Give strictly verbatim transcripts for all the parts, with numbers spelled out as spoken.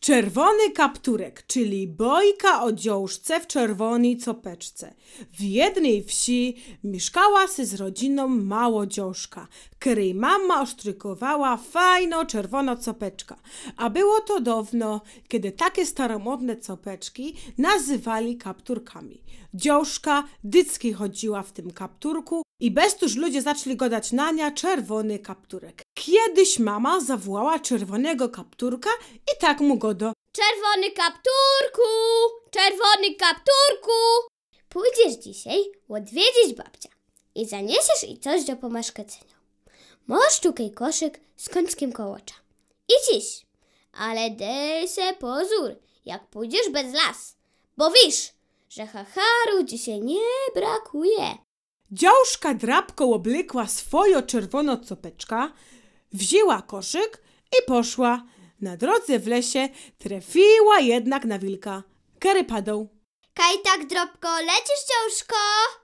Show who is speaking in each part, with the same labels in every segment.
Speaker 1: Czerwony kapturek, czyli bojka o dziążce w czerwonej copeczce. W jednej wsi mieszkała sy z rodziną małodziążka, której mama osztrykowała fajno czerwono copeczka. A było to dawno, kiedy takie staromodne copeczki nazywali kapturkami. Dziążka dycki chodziła w tym kapturku i bez tuż ludzie zaczęli godać na nią czerwony kapturek. Kiedyś mama zawołała czerwonego kapturka i tak mu go do:
Speaker 2: Czerwony kapturku! Czerwony kapturku! Pójdziesz dzisiaj odwiedzić babcia i zaniesiesz jej coś do pomaszkecenia. Masz tukaj koszyk z końskim kołocza. Idź iść, ale dej se pozór, jak pójdziesz bez las, bo wisz, że hacharu dzisiaj nie brakuje.
Speaker 1: Dziążka drapką oblykła swojo czerwono copeczka, wzięła koszyk i poszła. Na drodze w lesie trafiła jednak na wilka, który padał.
Speaker 2: Kaj tak drobko lecisz, dziążko?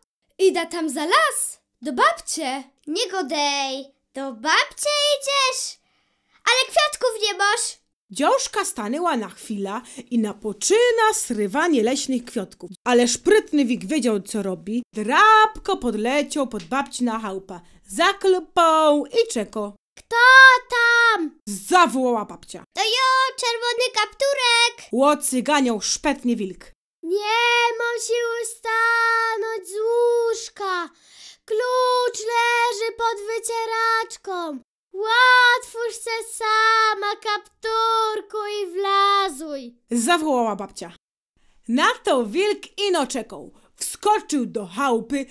Speaker 3: Ida tam za las, do babcie.
Speaker 2: Nie godej, do babcie idziesz, ale kwiatków nie masz.
Speaker 1: Dziążka stanęła na chwilę i napoczyna srywanie leśnych kwiatków. Ale szprytny wik wiedział, co robi. Drapko podleciał pod babci na chałupę, zaklupał i czekał.
Speaker 2: Kto tam?
Speaker 1: Zawołała babcia.
Speaker 2: To jo, czerwony kapturek.
Speaker 1: Łocyganiał szpetnie wilk.
Speaker 2: Nie mam siły stanąć z łóżka. Klucz leży pod wycieraczką. Łatwóż se sama, kapturku, i wlazuj.
Speaker 1: Zawołała babcia. Na to wilk ino czekał. Wskoczył do chałupy,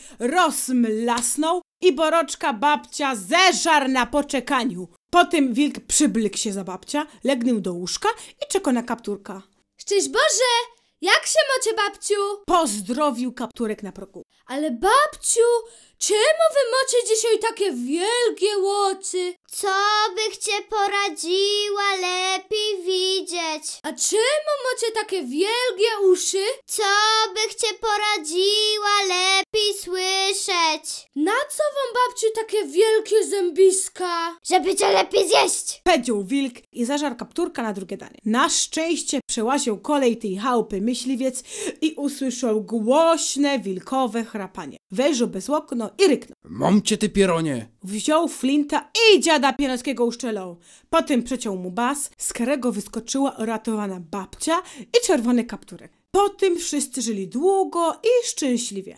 Speaker 1: rozmlasnął i boroczka babcia zeżarł na poczekaniu. Potem wilk przyblikł się za babcia, legnął do łóżka i czekał na kapturka.
Speaker 3: Szczęść Boże, jak się macie, babciu?
Speaker 1: Pozdrowił kapturek na progu.
Speaker 3: Ale babciu, czemu wy macie dzisiaj takie wielkie łocy?
Speaker 2: Co bych cię poradziła lepiej widzieć?
Speaker 3: A czemu macie takie wielkie uszy?
Speaker 2: Co bych cię poradziła lepiej słyszeć?
Speaker 3: Na co wam, babciu, takie wielkie zębiska?
Speaker 2: Żeby cię lepiej zjeść.
Speaker 1: Powiedział wilk i zażarł kapturka na drugie danie. Na szczęście przełaził kolej tej chałupy myśliwiec i usłyszał głośne wilkowe chrapanie. Wejrzał bez okno i ryknął.
Speaker 4: Mam cię, ty pieronie!
Speaker 1: Wziął flinta i dziada Pierońskiego uszczelał. Potem przeciął mu bas, z którego wyskoczyła uratowana babcia i czerwony kapturek. Potem wszyscy żyli długo i szczęśliwie.